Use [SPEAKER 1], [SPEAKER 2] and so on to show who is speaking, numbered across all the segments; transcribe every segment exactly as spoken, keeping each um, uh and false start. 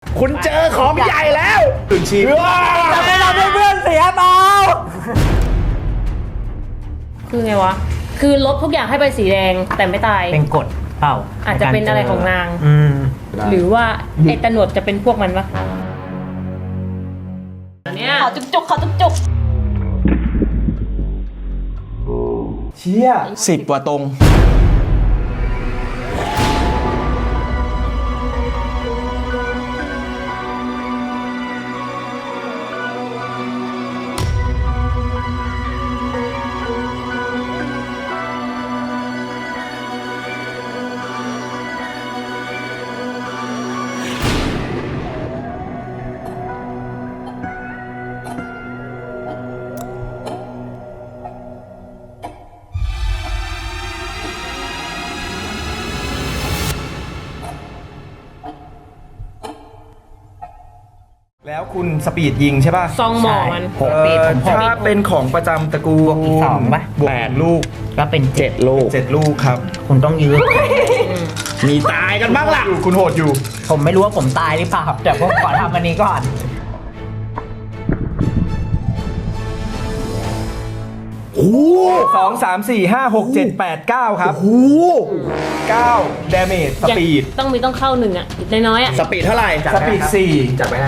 [SPEAKER 1] คุณเจอของใหญ่แล้วตื่นชีพ
[SPEAKER 2] จะไม่เราเพื่อนเสียเปล่า
[SPEAKER 3] คือไงวะคือลบทุกอย่างให้ไปสีแดงแต่ไม่ตาย
[SPEAKER 2] เป็นกฎเปล่า
[SPEAKER 3] อาจจะเป็นอะไรของนาง
[SPEAKER 2] อืม
[SPEAKER 3] หรือว่าไอ้ตะหนวดจะเป็นพวกมันปะอันเนี้ย
[SPEAKER 4] ขอจุกจุกขอจุกจุก
[SPEAKER 1] เชี่ยสิบกว่าตรง แล้วคุณสปีดยิงใช่ป่ะ
[SPEAKER 3] ซองหมอมัน
[SPEAKER 2] หกปีผมหก
[SPEAKER 1] ถ้าเป็นของประจำตระกูล
[SPEAKER 2] บวกอีกสองปะ
[SPEAKER 1] บวก
[SPEAKER 2] แปด
[SPEAKER 1] ลูก
[SPEAKER 2] ก็เป็นเจ็ดลูก
[SPEAKER 1] เจ็ดลูกครับ
[SPEAKER 2] คุณต้องยืด
[SPEAKER 1] มีตายกันบ้างล่ะคุณโหดอยู่
[SPEAKER 2] ผมไม่รู้ว่าผมตายหรือเปล่าแต่ผมขอทำอันนี้ก่อน
[SPEAKER 1] โอ้สองสามสี่ห้าหกเจ็ดแปดเก้าครับโอ้เก้าดาเมจสปีด
[SPEAKER 3] ต้องมีต้องเข้าหนึ่งอ่ะน้อยๆอ่ะ
[SPEAKER 1] สปีดเท่าไหร่สปีดสี่จับไปนะ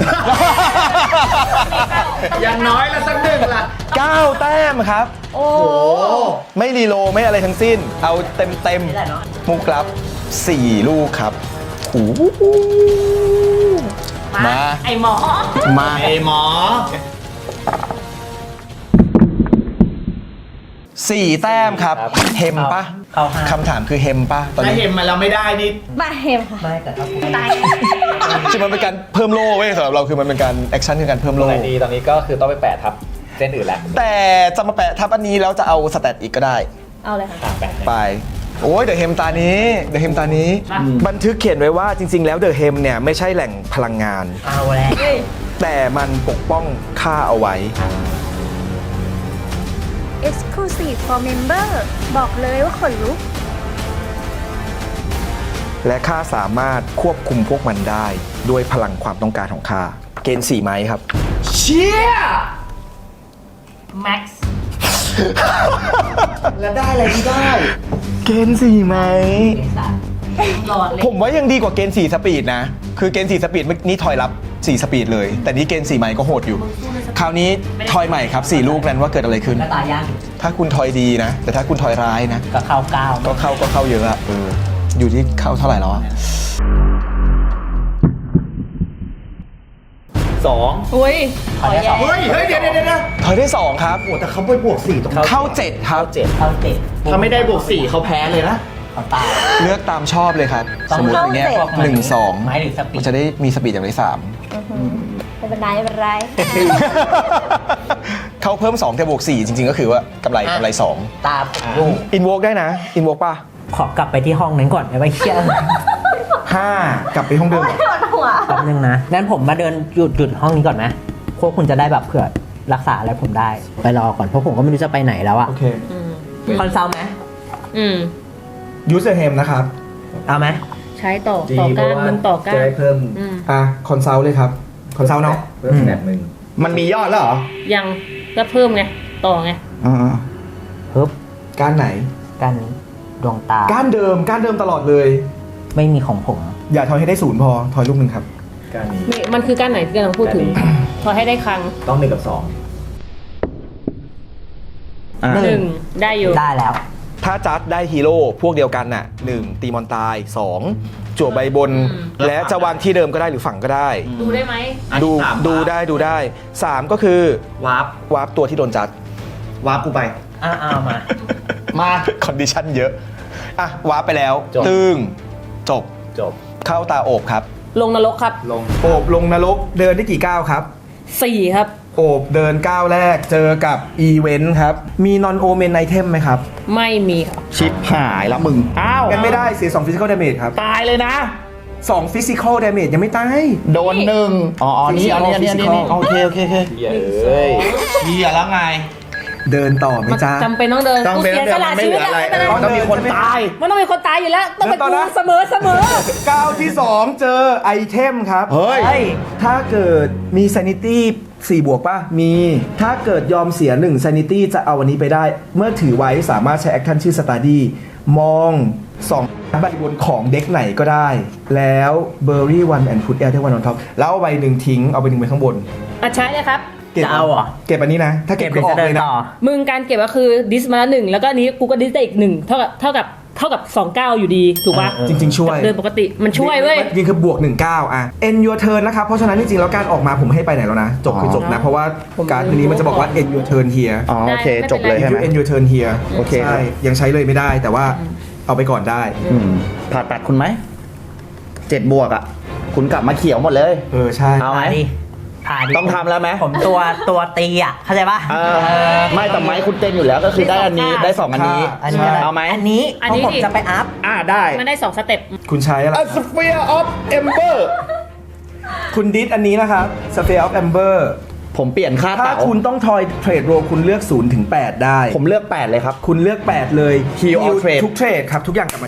[SPEAKER 1] อย่างน้อยละสักหนึ่งละเก้าแต้มครับ
[SPEAKER 3] โอ้
[SPEAKER 1] ไม่รีโลไม่อะไรทั้งสิ้น เอาเต็มเต็มมุกรับสี่ลูกครับโอ้โหมา
[SPEAKER 3] ไอหมอ
[SPEAKER 1] มาไอหมอสี่แต้มครับเฮมปะ
[SPEAKER 2] เข้าห้า
[SPEAKER 1] คำถามคือเฮมปะตอน
[SPEAKER 5] ถ้า
[SPEAKER 1] นี้
[SPEAKER 5] เห็นมาแล้วไม่ได้นี่
[SPEAKER 4] มาเฮมค่ะ
[SPEAKER 2] ไม่แต่ถ้าคุณ
[SPEAKER 4] ตาย
[SPEAKER 1] คือมันเป็นการเพิ่มโล่เว้ยสำหรับเราคือมันเป็นการแอคชั่นคือการเพิ่ม
[SPEAKER 5] ตร
[SPEAKER 1] โล่
[SPEAKER 5] งไหนดีตอนนี้ก็คือต้องไปแปะทับเส้นอื่นแล้ว
[SPEAKER 1] แต่จะมาแปะทับอันนี้แล้วจะเอาสแตทอีกก็ได้
[SPEAKER 4] เอาเลยค่ะ
[SPEAKER 5] อ่ะแปะ
[SPEAKER 1] ไป โอ้ยเดอะเฮมตานี้เดอะเฮมตานี้ บันทึกเขียนไว้ว่าจริง ๆ แล้วเดอะเฮมเนี่ยไม่ใช่แหล่งพลังงาน
[SPEAKER 2] เอาแล้ว
[SPEAKER 1] แต่มันปกป้องข้าเอาไว้
[SPEAKER 4] Exclusive for Member บอกเลยว่าขนลุก
[SPEAKER 1] และข้าสามารถควบคุมพวกมันได้ด้วยพลังความต้องการของข้าเกณฑ์สี่ไม้ครับ เชี่ย
[SPEAKER 3] แม็กซ์
[SPEAKER 1] แล้วได้อะไรที่ได้ เกณฑ์สี่ไม้
[SPEAKER 3] หลอดเลย
[SPEAKER 1] ผมว่ายังดีกว่าเกณฑ์สี่สปีดนะ คือเกณฑ์สี่สปีดนี่ทอยรับสี่สปีดเลย แต่นี่เกณฑ์สี่ไม้ก็โหดอยู่ คราวนี้ทอยใหม่ครับสี่ลูกนั้นว่าเกิดอะไรขึ้น
[SPEAKER 2] ก็ตายยาก
[SPEAKER 1] ถ้าคุณทอยดีนะ แต่ถ้าคุณทอยร้ายนะ
[SPEAKER 2] ก็เข้าเก้า
[SPEAKER 1] ก็เข้าก็เข้าเยอะอะเอออยู่ที่เข้าเท่าไหร่แล้วอะ
[SPEAKER 5] สอง
[SPEAKER 3] อุ้ย
[SPEAKER 2] ขอได้สอง
[SPEAKER 5] เฮ้ยเฮ้ยเดี๋ยวเดี๋ยวเดี๋ยว
[SPEAKER 1] ทอยได้สองครับ
[SPEAKER 5] โอ้แต่เขาไปบวกสี่ตรง
[SPEAKER 1] เข้าเจ็ดครับ
[SPEAKER 5] เจ็ด
[SPEAKER 2] เข้าเจ็ด
[SPEAKER 5] ถ้าไม่ได้บวกสี่เขาแพ้เลยนะ
[SPEAKER 2] เขาตาย
[SPEAKER 1] เลือกตามชอบเลยครับ
[SPEAKER 2] ต้อง
[SPEAKER 1] สมมติอย่างเงี้ย
[SPEAKER 2] เข้าเจ็ด
[SPEAKER 1] หนึ่งสอง
[SPEAKER 2] ไม้หรือสปีด
[SPEAKER 1] มันจะได้มีสปีดอย่างไรสาม
[SPEAKER 4] ไม่เป็นไรไม่เป็นไร
[SPEAKER 1] เขาเพิ่มสองแต่บวกสี่จริงๆก็คือว่ากำไรกำไรสอง
[SPEAKER 2] ตามลูก
[SPEAKER 1] อินโวกได้นะอินโวกป่ะ
[SPEAKER 2] ขอกลับไปที่ห้องนั้นก่อนได้ไหมเชี่ย
[SPEAKER 1] ห้ากลับไปห้องเดิม
[SPEAKER 4] ปวดหัว
[SPEAKER 2] แป๊บนึงนะงั้นผมมาเดินหยุดหยุดห้องนี้ก่อนไหมพวกคุณจะได้แบบเผื่อรักษาอะไรผมได้ ไปรอก่อนเพราะผมก็ไม่รู้จะไปไหนแล้วอะ
[SPEAKER 1] โอเค
[SPEAKER 3] อืม
[SPEAKER 2] คอนซัลท์ไหม
[SPEAKER 3] อืม
[SPEAKER 1] ยูเซอร์เฮมนะครับ
[SPEAKER 2] เอาไหม
[SPEAKER 3] ใช้ต่อต่อก้านมันต่อก้าน
[SPEAKER 5] จะได้เพิ่ม
[SPEAKER 3] อืม
[SPEAKER 1] อ่ะคอนซัลท์เลยครับคอนซัลท์เนาะ
[SPEAKER 5] เพิ่มแบบหนึ่ง
[SPEAKER 1] มันมียอดแล้วเหรอ
[SPEAKER 3] ยังก็เพิ่มไงต่อไง
[SPEAKER 1] อ่า
[SPEAKER 2] ปึ๊บ
[SPEAKER 1] ก้านไหน
[SPEAKER 2] กันนี้ดวงตา
[SPEAKER 1] ก้านเดิมก้านเดิมตลอดเลย
[SPEAKER 2] ไม่มีของผม
[SPEAKER 1] อย่าทอยให้ได้ศูนย์พอทอยลูกหนึ่งครับ
[SPEAKER 5] การนี้
[SPEAKER 3] นี่มันคือก้านไหนที่กำลังพูดถึง
[SPEAKER 5] ก้านนี้
[SPEAKER 3] พอให้ได้ครั้ง
[SPEAKER 5] ต้องหนึ่งกับสอง
[SPEAKER 3] หนึ่งได้อยู่
[SPEAKER 2] ได้แล้ว
[SPEAKER 1] ถ้าจัดได้ฮีโร่พวกเดียวกันน่ะหนึ่งตีมอนตายสองจั่วใบบน และจะวางที่เดิมก็ได้หรือฝังก็ได้
[SPEAKER 3] ดูได้ไหม
[SPEAKER 1] ดูดูได้ดูได้สามก็คือ
[SPEAKER 5] วาร์ป
[SPEAKER 1] วาร์ปตัวที่โดนจัด
[SPEAKER 5] วาร์ปกูไป
[SPEAKER 2] อ่าเอามา
[SPEAKER 5] มา
[SPEAKER 1] คอนดิชันเยอะ อ่ะ วาร์ปไปแล้ว
[SPEAKER 5] จบ
[SPEAKER 1] ตึงจบ
[SPEAKER 5] จบ
[SPEAKER 1] เข้าตาโอบครับ
[SPEAKER 3] ลงนรกครับ
[SPEAKER 5] ลง
[SPEAKER 1] โอบลงนรกเดินได้กี่ก้าวครับ
[SPEAKER 3] สี่ครับ
[SPEAKER 1] โอบเดินก้าวแรกเจอกับอีเวนต์ครับ มีนอนโอเมนไอเทมไหมครับ
[SPEAKER 3] ไม่มีครับ
[SPEAKER 1] ชิปหายแล้วมึง
[SPEAKER 5] อ้าว
[SPEAKER 1] กันไม่ได้เสียสองฟิสิคอลดาเมจครับ
[SPEAKER 5] ตายเลยนะ
[SPEAKER 1] สองฟิสิคอลดาเมจยังไม่ตาย
[SPEAKER 5] โดนหนึ่งอ๋ออ๋อนี่อันนี้อันนี้อันนี้
[SPEAKER 1] Physical
[SPEAKER 5] โอเคโอเคโอเคเฮ้ยเชียแล้วไง
[SPEAKER 1] เดินต่อไหม
[SPEAKER 3] มัน
[SPEAKER 1] จ๊ะ
[SPEAKER 3] จำเป็นต้องเดิน
[SPEAKER 5] ต้อง
[SPEAKER 3] กู
[SPEAKER 5] เป็น
[SPEAKER 3] เสียสละ
[SPEAKER 5] ไม่
[SPEAKER 3] ชี
[SPEAKER 5] เห
[SPEAKER 3] วิ
[SPEAKER 5] ลื
[SPEAKER 3] ต
[SPEAKER 5] อ
[SPEAKER 3] แล้ว
[SPEAKER 5] อะไร
[SPEAKER 3] ไม่เป็นไร
[SPEAKER 5] ต้องมีคนตาย
[SPEAKER 3] มันต้องมีคนตายอยู่แล้วต้องเป็น
[SPEAKER 1] เดินต่อ
[SPEAKER 3] กู
[SPEAKER 1] นะ
[SPEAKER 3] เสมอเสมอ
[SPEAKER 1] ก้าวที่สองเจอไอเทมครับ
[SPEAKER 5] เฮ้ย
[SPEAKER 2] เฮ้ย
[SPEAKER 1] ถ้าเกิดมี sanity สี่บวกป่ะ มี ถ้าเกิดยอมเสียหนึ่ง sanity จะเอาวันนี้ไปได้ เมื่อถือไว้สามารถใช้ action ชื่อ study มองสองใบบนของเด็กไหนก็ได้ แล้ว bury one and put air ได้ one on top แล้วเอาใบหนึ่งทิ้ง เอาใบหนึ่งไปข้างบน
[SPEAKER 3] อ่ะใช้เลยครับ
[SPEAKER 1] ก็บ
[SPEAKER 2] จะเอาเหรอ
[SPEAKER 1] เก็บอันนี้นะ ถ้า
[SPEAKER 2] เก็
[SPEAKER 1] เก็
[SPEAKER 2] บบ เดี๋
[SPEAKER 1] ก็
[SPEAKER 2] ยว
[SPEAKER 1] ออ
[SPEAKER 2] จะ
[SPEAKER 1] ก
[SPEAKER 2] เดิ
[SPEAKER 1] เล
[SPEAKER 2] น
[SPEAKER 1] ยนะ
[SPEAKER 2] ต่อ
[SPEAKER 3] มึงการเก็บก็คือดิสมาแล้วหนึ่งแล้วก็อันนี้กูก็ดิสได้อีกหนึ่งเท่ากับเท่ากับเท่ากับสองเก้าอยู่ดีถูกปะ
[SPEAKER 2] เออ
[SPEAKER 1] จริง ๆ ช่วย
[SPEAKER 3] เดินปกติมันช่วยเว้ย
[SPEAKER 1] ยิงคือบวกหนึ่งเก้าอ่ะ end your turn นะครับ เพราะฉะนั้นจริงๆแล้วการออกมาผมให้ไปไหนแล้วนะ จบคือจบนะ เพราะว่าการ์ดนี้มันจะบอกว่า end your turn here
[SPEAKER 5] อ๋อโอเค
[SPEAKER 3] ได้
[SPEAKER 5] จบเลย
[SPEAKER 3] ไม่
[SPEAKER 5] ใช่
[SPEAKER 3] เป็น
[SPEAKER 5] ไห
[SPEAKER 3] ไร
[SPEAKER 5] ม
[SPEAKER 1] end your turn here
[SPEAKER 5] โอเคครับ
[SPEAKER 1] ใช่ยังใช้เลยไม่ได้แต่ว่าเอาไปก่อนได้
[SPEAKER 5] อืมผ่าตัดคุณไหมเจ็ดบวกอ่ะ คุณกลับมาเขียวหมดเลย
[SPEAKER 1] เออใช่
[SPEAKER 5] เอาไหม
[SPEAKER 2] ผ่าดิผ่าดิ
[SPEAKER 5] ต้องทำแล้วไหม
[SPEAKER 2] ผมตัวตัวตีอ่ะ เข้าใจป่ะ
[SPEAKER 5] เออไม่แต่ไม้คุณเต็มอยู่แล้วก็คือได้อันนี้ได้สองอันนี้
[SPEAKER 2] อันนี้อะไร
[SPEAKER 5] เอาไหม
[SPEAKER 2] อันนี้
[SPEAKER 3] อัน
[SPEAKER 2] เพ
[SPEAKER 3] นี้
[SPEAKER 2] ราะผม
[SPEAKER 3] ดิ
[SPEAKER 2] จะไปอัพ
[SPEAKER 5] อ่าได้
[SPEAKER 3] มันได้สองสเต็ป
[SPEAKER 1] คุณใช้อะไร
[SPEAKER 5] A Sphere of Ember
[SPEAKER 1] คุณดิสอันนี้นะครับ Sphere of Amber
[SPEAKER 5] ผมเปลี่ยนค่า
[SPEAKER 1] ถ้า
[SPEAKER 5] เต่า
[SPEAKER 1] คุณต้องทอยเทรดโรคุณเลือกศูนย์ถึงแปดได้
[SPEAKER 5] ผมเลือกแปดเลยครับ
[SPEAKER 1] คุณเลือกแปดเลย
[SPEAKER 5] Heal all trade
[SPEAKER 1] ทุกเทรดครับ ทุกอย่างกลับมา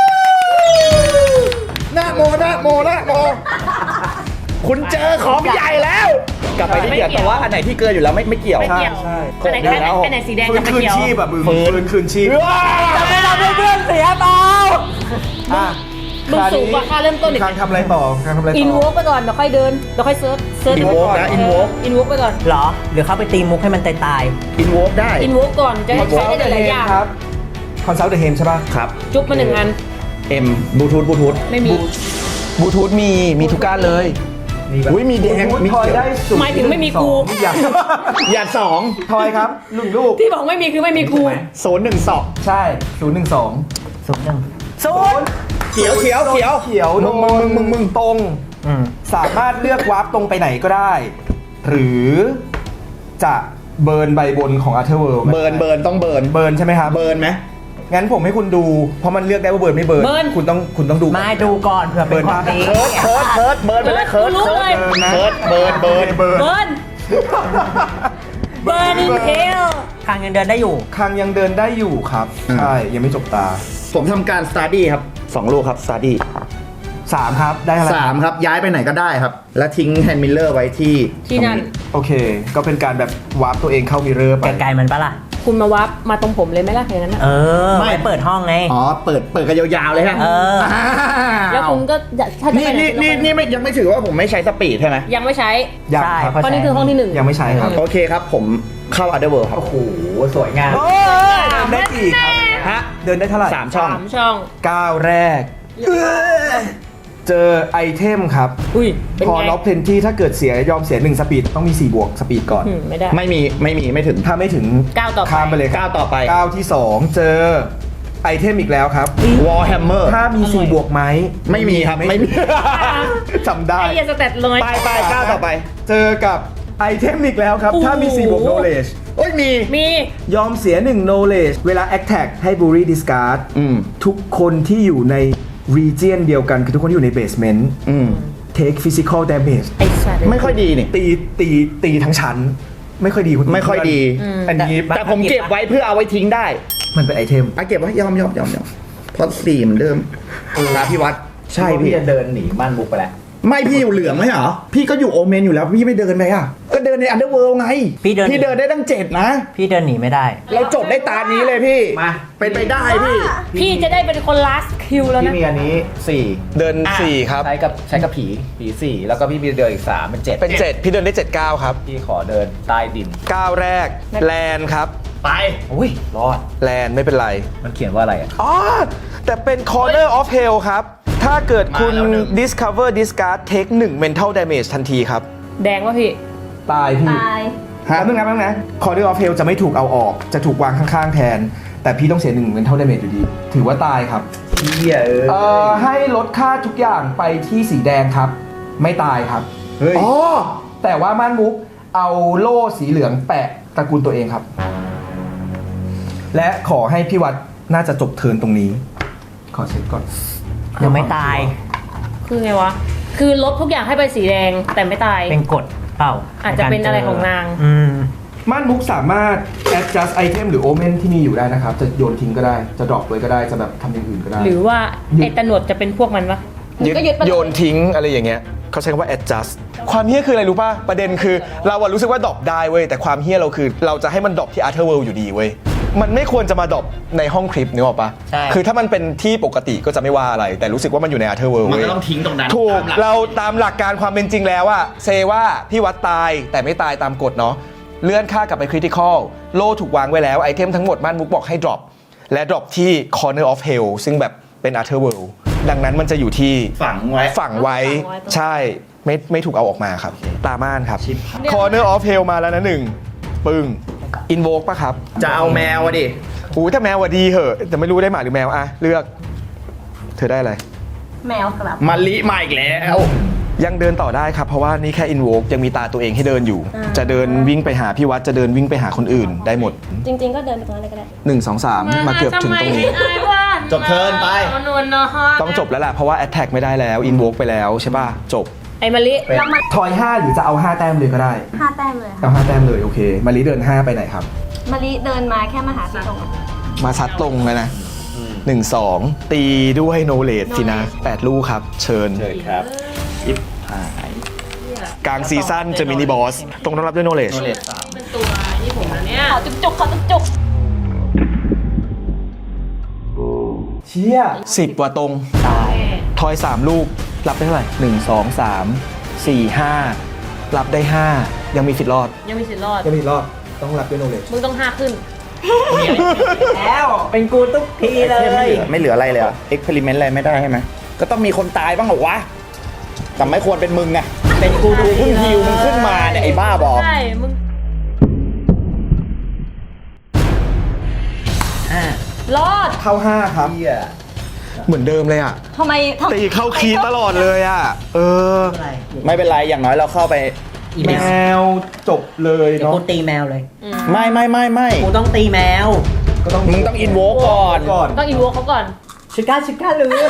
[SPEAKER 5] หน้าโมหน้าโมหน้าโมคุณเจอของใหญ่แล้ว กลับไปที่เกี่ยวแต่ว่าอันไหนที่เกินอยู่แล้วไม่ไม่เกี่ยว
[SPEAKER 3] ไม่เกี่ยว
[SPEAKER 1] ใช่
[SPEAKER 3] อันไหน
[SPEAKER 5] ใช่
[SPEAKER 3] อันไหนอันไหนสีแดง
[SPEAKER 1] ฟื้
[SPEAKER 3] จะ
[SPEAKER 1] น
[SPEAKER 3] ไม่
[SPEAKER 1] คืน
[SPEAKER 3] เกี่ยว
[SPEAKER 1] ชีพแบบมึง
[SPEAKER 5] ฟื้น
[SPEAKER 1] ฟื้นคืนชีพ
[SPEAKER 2] จะไม่ทำให้เพื่อนเสียเปล่า
[SPEAKER 1] อ่ะ
[SPEAKER 3] มึงสูงกว่าค่าเริ่มต้นอีก
[SPEAKER 1] คางทำอะไรต่อคางทำอะไรต่อ
[SPEAKER 3] อิ
[SPEAKER 1] อิ
[SPEAKER 3] นวอล์กไปก่อนเดี๋ยวค่อยเดินเดี๋ยวค่อยเซิร์ชเซิร์ช
[SPEAKER 5] Invoke นะ Invoke
[SPEAKER 3] อินวอล์กไปก่อน
[SPEAKER 2] เหรอ หรือเข้าไปตีมุกให้มันตายตาย
[SPEAKER 5] อินโวกได้
[SPEAKER 3] อินวอล์กก่อนจะให้ใช้ได้หลายๆอย่าง
[SPEAKER 1] ครับคอนซัลท์เดอะเฮมใช่ป่ะ
[SPEAKER 5] ครับ
[SPEAKER 3] จุ๊บมาหนึ่งอัน
[SPEAKER 5] M บลูทูธบลูทูธ
[SPEAKER 3] ไม่มี
[SPEAKER 1] บลูทูธมีมีทุกการเลย
[SPEAKER 5] อุ้ยมีแดง
[SPEAKER 1] บลูทูธ
[SPEAKER 5] มี
[SPEAKER 1] ทอย
[SPEAKER 5] เขียว
[SPEAKER 1] ได้สูง
[SPEAKER 3] หมายถึงไม่มีกู
[SPEAKER 1] สองอย่าง
[SPEAKER 5] อย่าสอง
[SPEAKER 1] ทอยครับหนึ่งลูก
[SPEAKER 3] ที่บอกไม่มีคือไม่มีกู
[SPEAKER 5] ศูนย์หนึ่งสอง
[SPEAKER 1] ใช่ศูนย์หนึ่งสอง
[SPEAKER 2] ๆศูนย์หนึ่ง
[SPEAKER 1] ศูนย์
[SPEAKER 5] เขียวเขียวเขียว
[SPEAKER 1] เขียว
[SPEAKER 5] มึงมึงมึงมึง
[SPEAKER 1] ตรง
[SPEAKER 2] อืม
[SPEAKER 1] สามารถเลือกวาร์ปตรงไปไหนก็ได้ หรือจะเบิร์นใบบนของอาร์เธอร์เวิลด์
[SPEAKER 5] เบิร์นเบิร์นต้องเบิร์น
[SPEAKER 1] เบิร์นใช่ไหมครับ
[SPEAKER 5] เบิร์นไหม
[SPEAKER 1] งั้นผมให้คุณดู เพราะมันเลือกได้ว่าเบิร์นไม่เบิร์น
[SPEAKER 3] เบิร์น
[SPEAKER 1] คุณต้องคุณต้องดู
[SPEAKER 2] ไม่ดูก่อนเผื่อเป็นของดี
[SPEAKER 5] เคิร์ดเคิร์ดเคิร์ดเบิร์นไปเลยเคิร์ด
[SPEAKER 3] รู้
[SPEAKER 5] เคิ
[SPEAKER 3] เล
[SPEAKER 5] ร์
[SPEAKER 3] ย
[SPEAKER 5] ด
[SPEAKER 1] เบิร์นนะ
[SPEAKER 5] เคิร์ดเบิร์นเบิร์น
[SPEAKER 1] เบิร์น
[SPEAKER 3] เบิร์นเบิร์นอินเทล
[SPEAKER 2] คางยังเดินได้อยู่
[SPEAKER 1] คางยังเดินได้อยู่ครับ ใช่ ยังไม่จบตา
[SPEAKER 5] ผมทำการสตาร์ดี้ครับสองลูกครับสตาร์ดี้
[SPEAKER 1] สามครับ ได้อะไร
[SPEAKER 5] สามครับย้ายไปไหนก็ได้ครับ แล้วทิ้งแฮนด์มิลเลอร์ไว้ที่
[SPEAKER 3] ที่นั่น
[SPEAKER 1] โอเค ก็เป็นการแบบวาร์ปตัวเองเข้ามิเรอร์ไป
[SPEAKER 2] ไกลๆมันปะล่ะ
[SPEAKER 3] คุณมาวับมาตรงผมเลยไหมล่ะอย่างนั้นน่ะ
[SPEAKER 2] เออ ไม่เปิดห้องไง
[SPEAKER 5] อ๋อเปิดเปิดกันยาวๆเลยฮะ
[SPEAKER 2] เออ
[SPEAKER 3] แล้วคุณก็จะถ้าจะ
[SPEAKER 5] นี่
[SPEAKER 3] ไปไหน
[SPEAKER 5] นี่
[SPEAKER 3] คุณก็ไป
[SPEAKER 5] นี่นี่ไม่ยังไม่ถือว่าผมไม่ใช้สปีดใช่ไหม
[SPEAKER 3] ยังไม่ใช้
[SPEAKER 1] ยัง
[SPEAKER 2] ใช่
[SPEAKER 1] ครับ
[SPEAKER 3] เพราะนี่คือห้องที่หนึ่ง
[SPEAKER 1] ยังไม่ใช้ครับ
[SPEAKER 5] โอเคครับ ผมเข้า Underworld ครับ
[SPEAKER 2] โอ้โห สวยงาม
[SPEAKER 1] โอ้ยเดินได้กี่ครับ
[SPEAKER 5] ฮะ
[SPEAKER 1] เดินได้เท่าไหร่
[SPEAKER 5] สามช่อง
[SPEAKER 3] สามช่อง
[SPEAKER 1] ก้าวแรก เจอไอเทมครับ
[SPEAKER 3] อุ้ยเป็น
[SPEAKER 1] พอ
[SPEAKER 3] ไง
[SPEAKER 1] ล็อกเพนที่ถ้าเกิดเสียยอมเสียหนึ่งสปีดต้องมีสี่บวกสปีดก่อน
[SPEAKER 3] อืมไม่ได้
[SPEAKER 5] ไม่มีไม่มีไม่ถึง
[SPEAKER 1] ถ้าไม่ถึง
[SPEAKER 3] ก้าวต่อไป
[SPEAKER 1] ข้ามไปเลยครับ
[SPEAKER 5] ก้าวต่อไป
[SPEAKER 1] ก้าวที่สองเจอไอเทมอีกแล้วครับ
[SPEAKER 5] Warhammer
[SPEAKER 1] ถ้ามีสี่บวกไหม
[SPEAKER 5] ไม่มีครับไม่มี
[SPEAKER 1] จำได้
[SPEAKER 3] ไอ้เหี้ยสแตทเลย
[SPEAKER 5] ไปไปก้าวต่อไป
[SPEAKER 1] เจอกับไอเทมอีกแล้วครับ ถ้ามีสี่บวก knowledge
[SPEAKER 5] โอ้ยมี
[SPEAKER 3] มี
[SPEAKER 1] ยอมเสียหนึ่ง knowledge เวลา attack ให้ bury discard
[SPEAKER 5] อืม
[SPEAKER 1] ทุกคนที่อยู่ใน region เดียวกันคือทุกคนที่อยู่ใน basement
[SPEAKER 5] อืม
[SPEAKER 1] take physical damage
[SPEAKER 3] ไอ้สัตว์
[SPEAKER 5] ไม่ค่อยดีนี่
[SPEAKER 1] ตีตีตีทั้งชั้น ไม่ค่อยดีคุณ
[SPEAKER 5] ไม่ค่อยดี
[SPEAKER 1] อันนี้
[SPEAKER 5] แต่ผมเก็บไว้เพื่อเอาไว้ทิ้งได้
[SPEAKER 1] มันเป็นไอเทม
[SPEAKER 5] อ่ะเก็บไว้ยอมยอมยอมยอมเพราะสี่เหมือนเดิมลาพี่วัดใช่พี่
[SPEAKER 2] จะเดินหนีบ้านบุกไปแล้ว
[SPEAKER 5] ไม่พี่อยู่เหลืองไหมเหรอ พี่ก็อยู่โอเมนอยู่แล้วพี่ไม่เดินไปอ่ะ ก็เดินในอันเดอร์เวิลด์ไง
[SPEAKER 2] พี่เดิน
[SPEAKER 5] พี่เดินได้ตั้งเจ็ดนะ
[SPEAKER 2] พี่เดินหนีไม่ได้
[SPEAKER 5] เราจบได้ตานี้เลยพี่
[SPEAKER 2] มา
[SPEAKER 5] เป็นไปได้พี่
[SPEAKER 3] พี่จะได้เป็นคน last kill แล้ว
[SPEAKER 6] พี่
[SPEAKER 3] นะ
[SPEAKER 6] มีอันนี้สี่
[SPEAKER 1] เดินสี่ครับ
[SPEAKER 6] ใช้กับใช้กับผีผีสี่แล้วก็พี่มีเดินอีกสามเป็นเจ็ด
[SPEAKER 1] เป็นเจ็ดพี่เดินได้เจ็ดก้าวครับ
[SPEAKER 6] พี่ขอเดินใต้ดิน
[SPEAKER 1] ก้าวแรกแลนครับ
[SPEAKER 6] ไปอุ้ยรอด
[SPEAKER 1] แลนไม่เป็นไร
[SPEAKER 6] มันเขียนว่าอะไรอ่ะ
[SPEAKER 1] อ๋อ แต่เป็น corner of hell ครับ ถ้าเกิดคุณ
[SPEAKER 5] มาแล้วหนึ่ง
[SPEAKER 1] discover discard take หนึ่ง mental damage ทันทีครับ
[SPEAKER 3] แดงวะพี่
[SPEAKER 1] ตายพี่
[SPEAKER 4] ตาย
[SPEAKER 1] ฮะแป๊บนึงนะแป๊บนึงนะ corner of hell จะไม่ถูกเอาออก จะถูกวางข้างๆแทน แต่พี่ต้องเสียหนึ่ง mental damage อยู่ดี ถือว่าตายครับ
[SPEAKER 6] เฮียเออ
[SPEAKER 1] เอ่อ ให้ลดค่าทุกอย่างไปที่สีแดงครับ ไม่ตายครับ
[SPEAKER 5] เฮ้ย
[SPEAKER 1] อ๋อ แต่ว่าม่านมุกเอาโล่สีเหลืองแปะตระกูลตัวเองครับ และขอให้พี่วัดน่าจะจบเทิร์นตรงนี้ ขอเช็คก่อน
[SPEAKER 2] ยังไม่ตาย
[SPEAKER 3] คือไงวะ คือลบทุกอย่างให้ไปสีแดงแต่ไม่ตาย
[SPEAKER 2] เป็นกฎเปล่า
[SPEAKER 3] อาจจะเป็นอะไรของนาง
[SPEAKER 2] อืม
[SPEAKER 1] ม่านมุกสามารถ adjust item หรือ omen ที่มีอยู่ได้นะครับ จะโยนทิ้งก็ได้ จะดรอปไว้ก็ได้ จะแบบทำอย่างอื่นก็ได้
[SPEAKER 3] หรือว่าไอ้ตะหนวดจะเป็นพวกมันวะมึงก็ยึดไปเลย
[SPEAKER 5] โยนทิ้งอะไรอย่างเงี้ยเขาใช้คำว่า adjust ความเฮี้ยคืออะไรรู้ป่ะ ประเด็นคือเราอะรู้สึกว่าดรอปได้เว้ย แต่ความเฮี้ยเราคือเราจะให้มันดรอปที่ Other World อยู่ดีเว้ย มันไม่ควรจะมาดรอปในห้องคลิปนึกออกปะ
[SPEAKER 2] ใช่
[SPEAKER 5] คือถ้ามันเป็นที่ปกติก็จะไม่ว่าอะไร แต่รู้สึกว่ามันอยู่ใน Other World
[SPEAKER 6] มัน
[SPEAKER 5] เว้ย
[SPEAKER 6] ก็ต้องทิ้งตรงนั้น
[SPEAKER 5] ถูก
[SPEAKER 6] ตามหลั
[SPEAKER 5] เราตามหลักการความเป็นจริงแล้วอะเซว่าพี่วัดตายแต่ไม่ตายตามกฎเนาะเลื่อนค่ากลับไปคริติคอลโล่ถูกวางไว้แล้วไอเทมทั้งหมดม่านมุกบอกให้ drop และ drop ที่ corner of hell ซึ่งแบบเป็น Other World ดังนั้นมันจะอยู่ที่
[SPEAKER 6] ฝังไว้
[SPEAKER 5] ฝังไว้
[SPEAKER 3] ฝังไว้ตรง
[SPEAKER 5] ใช่ไม่ไม่ถูกเอาออกมาครับ ตาม่านครับ
[SPEAKER 6] ชิป
[SPEAKER 5] corner of hell มาแล้วนะหนึ่งปึ้ง invoke ป่ะครับ
[SPEAKER 6] จะเอาแมวอะดิ
[SPEAKER 5] หูถ้าแมวว่าดีเหอะแต่ไม่รู้ได้หมาหรือแมวอะเลือก เธอได้อะไร
[SPEAKER 4] แมวกลับ
[SPEAKER 6] มาลิมาอีกแล้ว
[SPEAKER 5] ยังเดินต่อได้ครับ เพราะว่านี่แค่ invoke ยังมีตาตัวเองให้เดินอยู่ จะเดินวิ่งไปหาพี่วัดจะเดินวิ่งไปหาคนอื่นได้หมด
[SPEAKER 4] จริง ๆ ก็เดินไปตรงนั้นเลยก็ได้
[SPEAKER 5] หนึ่ง สอง สามมาเกือบถึงตรงนี้
[SPEAKER 6] จบเทิร์นไป
[SPEAKER 5] ต้องจบแล้วล่ะเพราะว่า attack ไม่ได้แล้ว invoke ไปแล้วใช่ป่ะจบ
[SPEAKER 3] ไอ้มะลิ
[SPEAKER 4] เรามา
[SPEAKER 1] ทอยห้าหรือจะเอาห้าแต้มเลยก็ได้
[SPEAKER 4] ห้าแต้มเลยค่ะ
[SPEAKER 1] เอาห้าแต้มเลยโอเค มารีเดินห้าไปไหนครับ
[SPEAKER 4] มาริเดินมาแค่มาหาพี่ตรง
[SPEAKER 5] มาซัดตรงเลยนะหนึ่งสองตีด้วยโนเลดสินะแปดลูกครับ เชิญ
[SPEAKER 6] เชิญครับยิบหาย
[SPEAKER 5] กลางซีซั่นเจอมินิบอสตรงต้องรับด้วยโนเลด
[SPEAKER 6] โนเลดสาม
[SPEAKER 3] เป็นตัวนี่ผมนะเนี่ย
[SPEAKER 4] ขอจุกจุกๆขอจุกจุก
[SPEAKER 1] เชี่ย
[SPEAKER 5] สิบกว่าตรง
[SPEAKER 2] ตาย
[SPEAKER 5] ทอยสามลูก รับได้เท่าไหร่หนึ่งสองสามสี่ห้ารับได้ห้ายังมีสิทธิ์รอด
[SPEAKER 3] ยังมีสิทธิ์รอด
[SPEAKER 1] ยังไม่ถึงรอบต้องรับด้วยโนเลจ
[SPEAKER 3] มึงต้องห้าขึ้น
[SPEAKER 2] แล้วเป็นกูทุกทีเล
[SPEAKER 6] ไม่
[SPEAKER 2] ย
[SPEAKER 6] เหลือไม่เหลืออะไรเลยเหรอเอ็กเพร์เมนต์อะไรไม่ได้ใช่ไหมก็ต้องมีคนตายบ้างเหรอวะแต่ไม่ควรเป็นมึงไง
[SPEAKER 2] เป็นกูทุ
[SPEAKER 6] กู
[SPEAKER 2] กที
[SPEAKER 6] เพิ่งฮิวมึงขึ้นมาเนี่ยไอ้บ้าบอก
[SPEAKER 3] ใช่ มึง
[SPEAKER 2] อ่ะ
[SPEAKER 3] รอด
[SPEAKER 1] เข้าห้าครับ
[SPEAKER 5] เหมือนเดิมเลยอ่ะ
[SPEAKER 4] ทำไมทำ
[SPEAKER 5] ตีเข้าคีย์ตลอดเลยอ่ะ เออ
[SPEAKER 2] อะไร
[SPEAKER 6] ไม่เป็นไรอย่างน้อยเราเข้าไป
[SPEAKER 2] อี
[SPEAKER 1] แม
[SPEAKER 2] แมว
[SPEAKER 1] วจบเลย
[SPEAKER 2] เดี๋ยว
[SPEAKER 1] เนาะ
[SPEAKER 2] กูตีแมวเลย
[SPEAKER 6] ไม่ไม่ไม่ไม่
[SPEAKER 2] กูต้องตีแมว
[SPEAKER 1] ก็ต้อง
[SPEAKER 6] มึงต้องอินโวก่อน
[SPEAKER 1] ก่อน
[SPEAKER 3] ต้องอินโวเขาก่อน
[SPEAKER 2] ชิก้าชิก้าลืม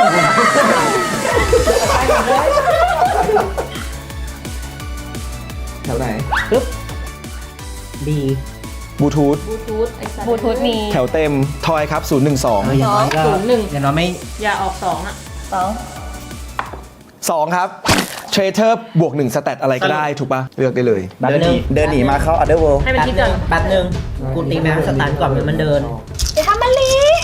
[SPEAKER 1] แถวไหน
[SPEAKER 2] ปึ๊บบี
[SPEAKER 5] บลูทูธ
[SPEAKER 3] บลูทูธบลูทูธมี
[SPEAKER 5] แถวเต็มทอยครับศูนย์หนึ่งสอง
[SPEAKER 2] เอออย่างน้อยก็
[SPEAKER 3] ศูนย์หนึ่ง
[SPEAKER 2] อย่างน้อยไม่
[SPEAKER 3] อย่าออกสองอ่ะ
[SPEAKER 4] สอง
[SPEAKER 5] สองครับเทรเทอร์บวกหนึ่งสแตทอะไรก็ได้ถูกปะเลือกได้เลย
[SPEAKER 2] แป๊บ
[SPEAKER 6] เดินห
[SPEAKER 2] นึ
[SPEAKER 6] นี
[SPEAKER 2] ง
[SPEAKER 6] เดินหนีมาเข้า Other World
[SPEAKER 3] ให้มัน
[SPEAKER 2] แป๊บ
[SPEAKER 3] คิด
[SPEAKER 2] นึ
[SPEAKER 3] ก่อง น
[SPEAKER 2] แป๊บนึงกูตีแมวสตันก่อนมันเดิน
[SPEAKER 4] เดี๋ยวทำมาลี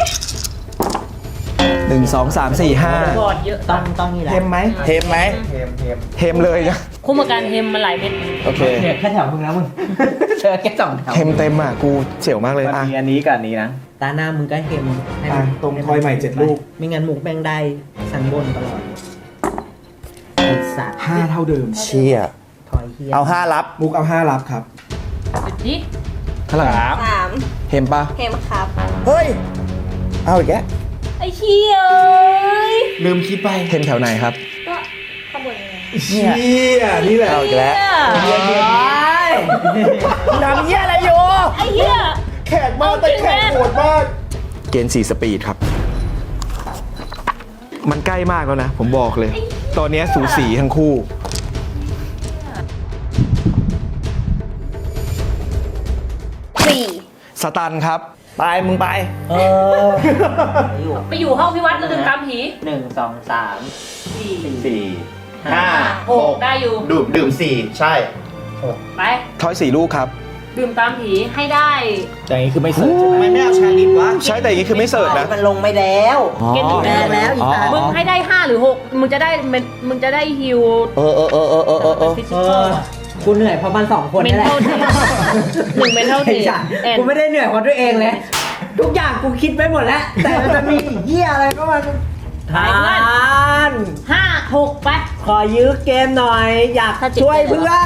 [SPEAKER 5] หนึ่งสองสามสี่ห้า
[SPEAKER 3] บอดเยอะ
[SPEAKER 2] ต้องต้องนี่แหละ
[SPEAKER 1] เทมไหม
[SPEAKER 6] เทมไหม
[SPEAKER 1] เทมเทม
[SPEAKER 5] เทมเลยนะ
[SPEAKER 3] คุ้มกับการเฮมมาหลายเม็ด
[SPEAKER 5] โอเค
[SPEAKER 2] เหลือแค่แถวมึงแล้วมึงเจอแค่สองแถว
[SPEAKER 5] เทมเต็มอ่ะ กูเสียวมากเลย
[SPEAKER 6] มัน
[SPEAKER 5] อ่ะ
[SPEAKER 6] มีอันนี้กับอันนี้นะ
[SPEAKER 2] ตาหน้ามึงก็เฮมให้
[SPEAKER 1] อ่ะ
[SPEAKER 2] มัน
[SPEAKER 1] ตรงทอยใหม่เจ็ดลูก
[SPEAKER 2] ไม่งั้นมุกแม่งได้ชั้นบนตลอดไอ้สัตว์
[SPEAKER 1] ห้าเท่าเดิม
[SPEAKER 6] เชี่ย
[SPEAKER 2] ถอยเฮีย
[SPEAKER 6] เอาห้ารับ
[SPEAKER 1] มุกเอาห้ารับครับ
[SPEAKER 3] สุดดิ
[SPEAKER 5] เท่าไหร่
[SPEAKER 6] สาม
[SPEAKER 4] สาม
[SPEAKER 5] เทมปะ
[SPEAKER 4] เทมครับ
[SPEAKER 6] เฮ้ย เอาอีกแล้ว
[SPEAKER 3] ไอ้เชี่ยเอ้ย
[SPEAKER 6] ลืมคิดไป
[SPEAKER 5] เทมแถวไหนครับ
[SPEAKER 3] ก็ข้างบนไง
[SPEAKER 1] เชี่ยนี่แหละ
[SPEAKER 6] เอาอีกแล้ว
[SPEAKER 3] เนี่ย
[SPEAKER 6] ทำเหี้ยอะไรอยู่
[SPEAKER 3] ไอ้เหี้ย
[SPEAKER 1] แขกมากแต่แขกโหดมาก
[SPEAKER 5] เกณฑ์สี่สปีดครับ มันใกล้มากแล้วนะ ผมบอกเลย ตอนนี้สูสีทั้งคู่
[SPEAKER 4] สี่
[SPEAKER 5] สตันครับ
[SPEAKER 6] ไปมึงไป
[SPEAKER 2] เอออยู่
[SPEAKER 3] ไปอยู่ห้องพี่วัดแล้วดึงตามผี
[SPEAKER 2] หนึ่งสองสาม
[SPEAKER 3] สี่
[SPEAKER 6] สี่ห้า
[SPEAKER 3] หกได้อยู่
[SPEAKER 6] ดื่มดื่มสี่ใช่
[SPEAKER 3] ไป
[SPEAKER 5] ทอยสี่ลูกครับ
[SPEAKER 3] ดื่มตามผีให้ได้
[SPEAKER 6] อย่างนี้คือไม่เสิร์ฟใช่ไหมไม่ไม่เอาชาลิฟวะ
[SPEAKER 5] ใช่แต่อย่างนี้คือไม่เสิร์ฟนะ
[SPEAKER 2] มันลงไปแล้ว
[SPEAKER 3] เกณฑ์หนึ่ง
[SPEAKER 2] แพ้แล้วอีกอ่ะ
[SPEAKER 3] มึงให้ได้ห้าหรือหกมึงจะได้เมนมึงจะได้ฮิว
[SPEAKER 6] เออเออเออเออเออเออเออ
[SPEAKER 3] ฟิสิ
[SPEAKER 2] เอ
[SPEAKER 3] คอ
[SPEAKER 2] อ
[SPEAKER 3] ล
[SPEAKER 2] กูเหนื่อยเพราะมันสองคน
[SPEAKER 3] เม
[SPEAKER 2] นี่
[SPEAKER 3] น
[SPEAKER 2] แหละ
[SPEAKER 3] เทลเทหนึ่งเมนเทลเท
[SPEAKER 2] ไอ้สัสกูไม่ได้เหนื่อยเพราะตัวเองเลย ทุกอย่างกูคิดไปหมดแล้ว แต่มันจะมีอีกเหี้ยอะไรก็มันทาน
[SPEAKER 3] ห้าหกไป
[SPEAKER 2] ขอยื้อเกมหน่อย อยาก
[SPEAKER 3] ถ้าจิต
[SPEAKER 2] ช่วยเพื่อน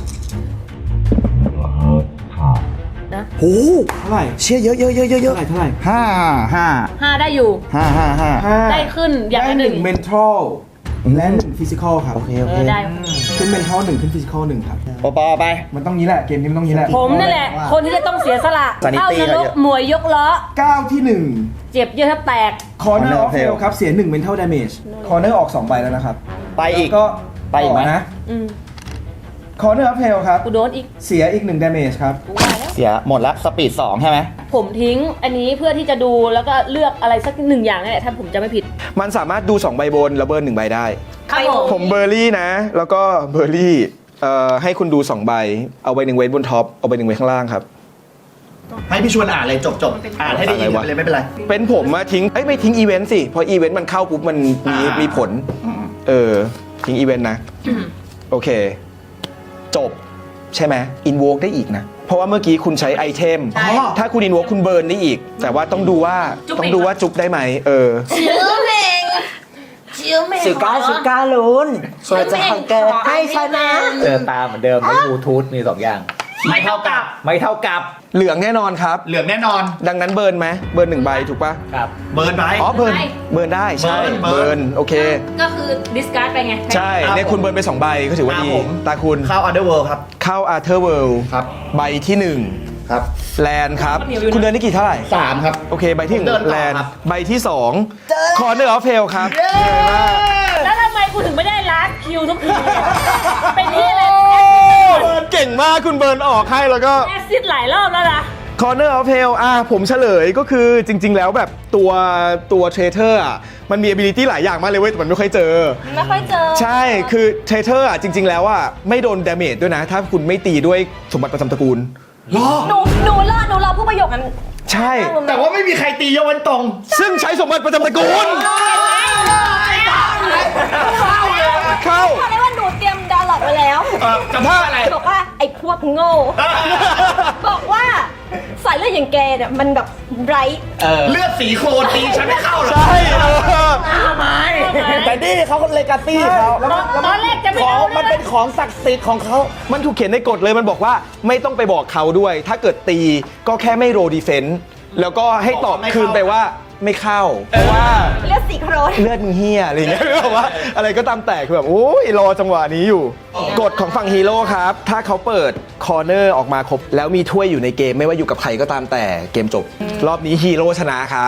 [SPEAKER 3] นะ
[SPEAKER 6] โอ้โห
[SPEAKER 1] เท่าไหร่
[SPEAKER 6] เชี่ยเยอะเยอะเยอะเยอะเย
[SPEAKER 1] เท่า
[SPEAKER 6] อะ
[SPEAKER 1] ไหร่เท่าไหร่
[SPEAKER 6] ห้าห้า
[SPEAKER 3] ห้าได้อยู่
[SPEAKER 6] ห้าห้าห้า
[SPEAKER 1] ห้า
[SPEAKER 3] ได้ขึ้นอย่าง
[SPEAKER 1] ได้
[SPEAKER 3] ละ
[SPEAKER 1] ห
[SPEAKER 3] หนึ่
[SPEAKER 1] นึ่
[SPEAKER 3] ง
[SPEAKER 1] ง mental และหนึ่ง physical ครับ
[SPEAKER 6] โอเคโอ
[SPEAKER 3] เอ
[SPEAKER 6] เค
[SPEAKER 3] อได้
[SPEAKER 1] ขึ้น mental หนึ่งขึ้น physical หนึ่งครับ
[SPEAKER 6] ปอปอไป
[SPEAKER 1] มันต้องนี้แหละ เกมนี้มันต้องนี้แหละ
[SPEAKER 3] ผมนั่นแหละ คนที่จะต้องเสียสละ
[SPEAKER 6] Sanity
[SPEAKER 3] เข้านรกหมวยยกล้อ
[SPEAKER 1] ก้าวที่หนึ่ง
[SPEAKER 3] เจ็บเยอะแทบแตก
[SPEAKER 1] corner
[SPEAKER 6] Corner
[SPEAKER 1] of
[SPEAKER 6] of
[SPEAKER 1] hell
[SPEAKER 6] hell
[SPEAKER 1] ครับ เสียหนึ่ง mental damage corner ออกสองใบแล้วนะครับ
[SPEAKER 6] ไปอีก
[SPEAKER 1] แล้วก็
[SPEAKER 6] ไปอีกไหม
[SPEAKER 1] ต่นะ
[SPEAKER 3] อืม
[SPEAKER 1] Corner of Hell ครับ
[SPEAKER 3] กูโดนอีก
[SPEAKER 1] เสียอีกหนึ่ง damage ครับ
[SPEAKER 3] กูว่าแล้ว
[SPEAKER 6] เสียหมดละสปีดสองใช่ไหม
[SPEAKER 3] ผมทิ้งอันนี้เพื่อที่จะดูแล้วก็เลือกอะไรสักหนึ่งอย่างนี่แหละถ้าผมจะไม่ผิด
[SPEAKER 5] มันสามารถดูสองใบบนแล้วเบิร์นหนึ่งใบได้
[SPEAKER 3] ครับผม
[SPEAKER 5] ผมเบอร์รี่นะ แล้วก็เบอร์รี่เอ่อให้คุณดูสองใบ เอาใบหนึ่งไว้บนท็อป เอาใบหนึ่งไว้ข้างล่างครับ
[SPEAKER 6] ให้พี่ชวนอ่านเลยจบจบอ่านให้ได้ยิน
[SPEAKER 5] อะไรวะ
[SPEAKER 6] เลยไม่เป็นไร
[SPEAKER 5] เป็นผมมาทิ้ง เอ้ยไม่ทิ้งอีเวนต์สิ เพราะอีเวนต์มันเข้าปุ๊บมันมี
[SPEAKER 6] อ่ามี
[SPEAKER 5] มีผล เออ ทิ้งอีเวนต์นะ โอเค จบ ใช่ไหมอินโวกได้อีกนะ เพราะว่าเมื่อกี้คุณใช้ไอเทม ถ้าคุณอินโวกคุณเบิร์นได้อีก แต่ว่าต้องดูว่าต้องดูว่าจุบได้ไหมเออ
[SPEAKER 2] สุก้าสุก้าลุนช่วยจะทำเกิดให้ชนะ
[SPEAKER 7] เจอตาเหมือนเดิมไม่บลูทูธมีสองอย่าง
[SPEAKER 6] ไม่เท่ากับ
[SPEAKER 7] ไม่เท่ากับ
[SPEAKER 5] เหลืองแน่นอนครับ
[SPEAKER 6] เหลืองแน่นอน
[SPEAKER 5] ดังนั้นเบิร์นไหมเบิร์นหนึ่งใบถูกปะ
[SPEAKER 7] ครับ
[SPEAKER 6] เบิร์นไป
[SPEAKER 5] อ๋อเบิร์นเบิร์นได้ใช่
[SPEAKER 6] เบิร์น
[SPEAKER 5] เบิร์นโอเค
[SPEAKER 3] ก็คือดิสการ์ดไปไง
[SPEAKER 5] ใช่เนี่ยคุณเบิร์นไปสองใบก็ถือว่าดี
[SPEAKER 6] ครับผม
[SPEAKER 5] ตาคุณ
[SPEAKER 6] เข้า Underworld ครับ
[SPEAKER 5] เข้าอาร์เธอร์เวิลด์
[SPEAKER 6] ครับ
[SPEAKER 5] ใบที่หนึ่ง
[SPEAKER 6] ครับ
[SPEAKER 5] แลนด์ครับ คุณเดินได้กี่เท่าไหร่
[SPEAKER 6] สามครับ
[SPEAKER 5] โอเค ใบที่หนึ่ง
[SPEAKER 6] ผมเดินต่อ
[SPEAKER 5] แลนด์
[SPEAKER 6] ครับ
[SPEAKER 5] ใบที่สองคอร์เนอร์ออฟเฟลครับ
[SPEAKER 3] แล้วทำไมกูถึงไม่ได้ลาสคิวทุกทีเลยเป็นที่เลย
[SPEAKER 5] เบิร์นเก่งมากคุณเบิร์นออกให้แล้วก็
[SPEAKER 3] แอซิดหลายรอบแล้วนะ
[SPEAKER 5] คอร์เนอร์ออฟเฟลอ่ะผมเฉลยก็คือจริง ๆ แล้วแบบตัวตัวเทรเทอร์อ่ะมันมี ability หลายอย่างมากเลยเว้ยแต่มันไม่ค่อยเจอ
[SPEAKER 4] ไม่ค่อยเจอ
[SPEAKER 5] ใช่ คือเทรเทอร์อ่ะจริง ๆ แล้วอ่ะไม่โดนดาเมจด้วยนะ ถ้าคุณไม่ตีด้วยสมบัติประจำตระกูล
[SPEAKER 4] หนูหนูรอหนูรอผู้ประโยคนั้น
[SPEAKER 5] ใช่
[SPEAKER 6] แต่ว่าไม่มีใครตียกเว้นตรง
[SPEAKER 5] ซึ่งใช้สมบัติประจำตระกูล เข้า
[SPEAKER 4] บอกเลยว่าหนูเตรียมดาวน์โหลดไว้แล้ว
[SPEAKER 6] เออจะพูดอะไร
[SPEAKER 4] บอกว่าไอ้พวกโง่ บอกว่าสายเลือดอย่างแกเนี่ยมันแบบไร้
[SPEAKER 6] เลือดสีโคลนตีฉันไม่เข้าหรอก
[SPEAKER 5] ใช่เออ
[SPEAKER 6] แต่นี่เขาเลกาตี้เขา
[SPEAKER 3] ตอนแรกจะไม่
[SPEAKER 6] ของ
[SPEAKER 3] เอา
[SPEAKER 6] มันเป็นของศักดิ์สิทธิ์ของเขา
[SPEAKER 5] มันถูกเขียนในกฎเลยมันบอกว่าไม่ต้องไปบอกเขาด้วย ถ้าเกิดตีก็แค่ไม่โรดีเฟนต์แล้วก็ให้ตอบคืนไปว่าไม่เข้า เพราะว่า
[SPEAKER 4] เลือดสีโครน
[SPEAKER 5] เลือดมึงเฮียอะไรอย่างเงี้ย แบบว่าอะไรก็ตามแต่คือแบบโอ้ยรอจังหวะนี้อยู่ กฎของฝั่งฮีโร่ครับ ถ้าเขาเปิดคอร์เนอร์ออกมาครบ แล้วมีถ้วยอยู่ในเกมไม่ว่าอยู่กับใครก็ตามแต่เกมจบ รอบนี้ฮีโร่ชนะครับ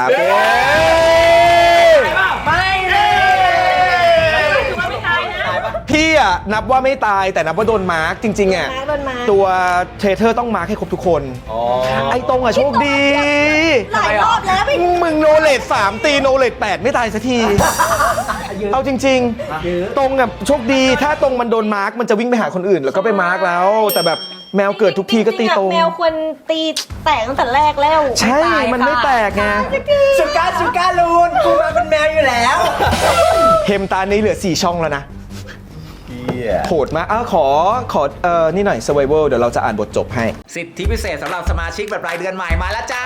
[SPEAKER 2] ไม่เลย
[SPEAKER 3] ถือว่าไม่ตายนะ
[SPEAKER 5] พี่อ่ะนับว่าไม่ตายแต่นับว่าโดนมาร์กจริงๆอ่ะ
[SPEAKER 4] โดนมาร์ค
[SPEAKER 5] ตัวเทรเทอร์ต้องมาร์กให้ครบทุกคน ไอ้ตรงอ่ะโชคดี
[SPEAKER 4] หลายรอบแล้วพี่
[SPEAKER 5] มึงโนเลดสามตีโนเลดแปดไม่ตายสักที เอาจริง ๆ ตรงอ่ะโชคดีถ้าตรงมันโดนมาร์กมันจะวิ่งไปหาคนอื่น แล้วก็ไปมาร์กแล้ว แต่แบบแมวเกิดทุกทีก็ตีตรง
[SPEAKER 4] แมวควรตีแตกตั้งแต่แรกแล้ว
[SPEAKER 5] ใช่ มันไม่แตกไง
[SPEAKER 2] สุก้าสุก้าลุนกูมาเป็นแมวอยู่แล้ว
[SPEAKER 5] เฮมตานี้เหลือสี่ช่องแล้วนะโหดมากอ้าวขอขอเอ่อนี่หน่อย survival เดี๋ยวเราจะอ่านบทจบให้
[SPEAKER 7] สิทธิพิเศษสำหรับสมาชิกแบบรายเดือนใหม่มาแล้วจ้า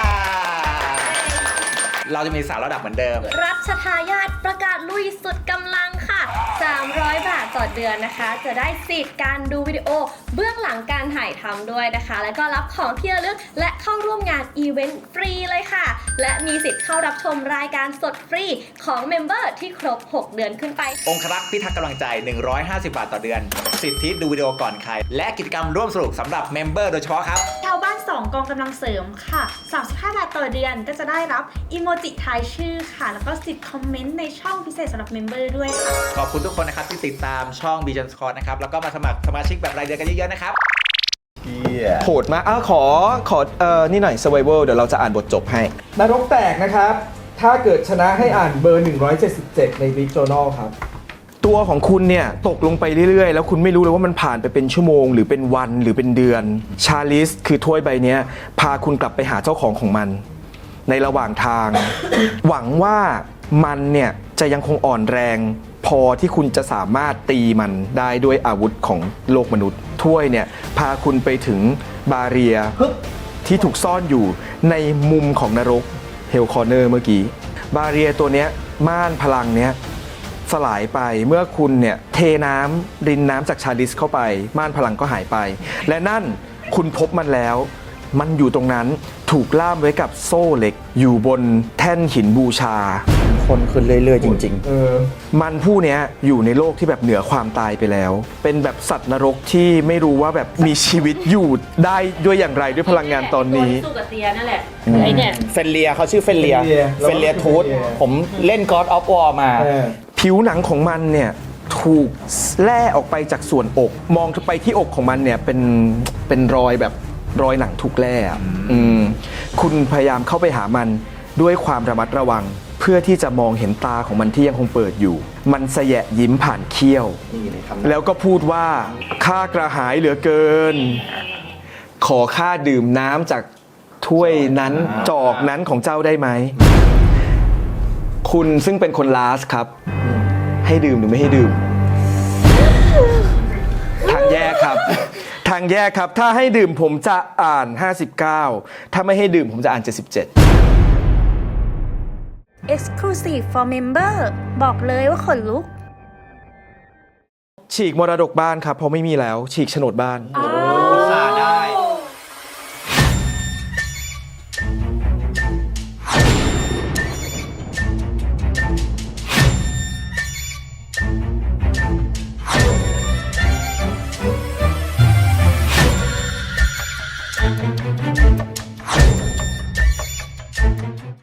[SPEAKER 7] เราจะมีสามระดับเหมือนเดิม
[SPEAKER 4] รัชทายาทประกาศลุยสุดกำลังค่ะ สามร้อยบาทต่อเดือนนะคะ จะได้สิทธิ์การดูวิดีโอเบื้องหลังการถ่ายทำด้วยนะคะ แล้วก็รับของที่ระลึกและเข้าร่วมงานอีเวนต์ฟรีเลยค่ะ และมีสิทธิ์เข้ารับชมรายการสดฟรีของเมมเบอร์ที่ครบ หก เดือนขึ้นไป
[SPEAKER 7] องครักษ์พิทักษ์กำลังใจ หนึ่งร้อยห้าสิบบาทต่อเดือน สิทธิดูวิดีโอก่อนใคร และกิจกรรมร่วมสนุกสำหรับเมมเบอร์โดยเฉพาะครับ
[SPEAKER 8] ชาวบ้านสองกองกำลังเสริมค่ะ สามสิบห้า บาทต่อเดือนก็จะได้รับอีโมจิทายชื่อค่ะ แล้วก็สิทธิ์คอมเมนต์ในช่องพิเศษสำหรับเมมเบอร์ด้วยค่ะ
[SPEAKER 7] ขอบคุณทุกคนนะครับที่ติดตามช่อง b ี n Squad นะครับ แล้วก็มาสมัครสมาชิกแบบรายเดือนกันเยอะๆนะครับ
[SPEAKER 5] โหดมากอ้าวขอขอเอ่อนี่หน่อย survival เดี๋ยวเราจะอ่านบทจบให้
[SPEAKER 1] นรกแตกนะครับ ถ้าเกิดชนะให้อ่านเบอร์ หนึ่งร้อยเจ็ดสิบเจ็ด ใน Big Journal ครับ
[SPEAKER 5] ตัวของคุณเนี่ยตกลงไปเรื่อยๆ แล้วคุณไม่รู้เลยว่ามันผ่านไปเป็นชั่วโมง หรือเป็นวันหรือเป็นเดือน ชาลิสคือถ้วยใบเนี้ยพาคุณกลับไปหาเจ้าของของมัน ในระหว่างทาง หวังว่ามันเนี่ยจะยังคงอ่อนแรง พอที่คุณจะสามารถตีมันได้ด้วยอาวุธของโลกมนุษย์ ถ้วยเนี่ยพาคุณไปถึงบาเรียที่ถูกซ่อนอยู่ในมุมของนรกเฮลคอร์เนอร์เมื่อกี้ บาเรียตัวเนี้ยม่านพลังเนี้ยสลายไปเมื่อคุณเนี่ยเทน้ำรินน้ำจากชาลิสเข้าไปม่านพลังก็หายไป และนั่นคุณพบมันแล้ว มันอยู่ตรงนั้นถูกล่ามไว้กับโซ่เหล็กอยู่บนแท่นหินบูชา
[SPEAKER 6] คนขึ้นเรื่อยๆ จริง
[SPEAKER 1] เออ
[SPEAKER 5] มันผู้เนี้ยอยู่ในโลกที่แบบเหนือความตายไปแล้ว เป็นแบบสัตว์นรกที่ไม่รู้ว่าแบบมีชีวิตอยู่ได้ด้วยอย่างไรด้วยพลังงานตอนนี้
[SPEAKER 3] ตัวที่สู้กับเตียนั่นแหละไอ้เนี่ย
[SPEAKER 6] ๆ เฟนเลียเขาชื่อเฟนเลีย
[SPEAKER 1] เฟนเลีย
[SPEAKER 6] เฟนเลียทูธผมเล่น God of War มา
[SPEAKER 1] เออ
[SPEAKER 5] ผิวหนังของมันเนี่ยถถูกแล่ออกไปจากส่วนอก มองไปที่อกของมันเนี่ยเป็นเป็นรอยแบบรอยหนังถูกแล่อะอืมคุณพยายามเข้าไปหามันด้วยความระมัดระวัง เพื่อที่จะมองเห็นตาของมันที่ยังคงเปิดอยู่ มันแสยะยิ้มผ่านเขี้ยว แล้วก็พูดว่าข้ากระหายเหลือเกิน ขอข้าดื่มน้ำจากถ้วยนั้นจอกนั้นของเจ้าได้ไหม คุณซึ่งเป็นคนลาสครับ ให้ดื่มหรือไม่ให้ดื่ม ทางแยกครับ ทางแยกครับ ถ้าให้ดื่มผมจะอ่านห้าสิบเก้า ถ้าไม่ให้ดื่มผมจะอ่านเจ็ดสิบเจ็ด
[SPEAKER 8] Exclusive for Member บอกเลยว่าขนลุก
[SPEAKER 5] ฉีกมรดกบ้านครับเพราะไม่มีแล้ว ฉีกโฉนดบ้าน
[SPEAKER 8] อ่า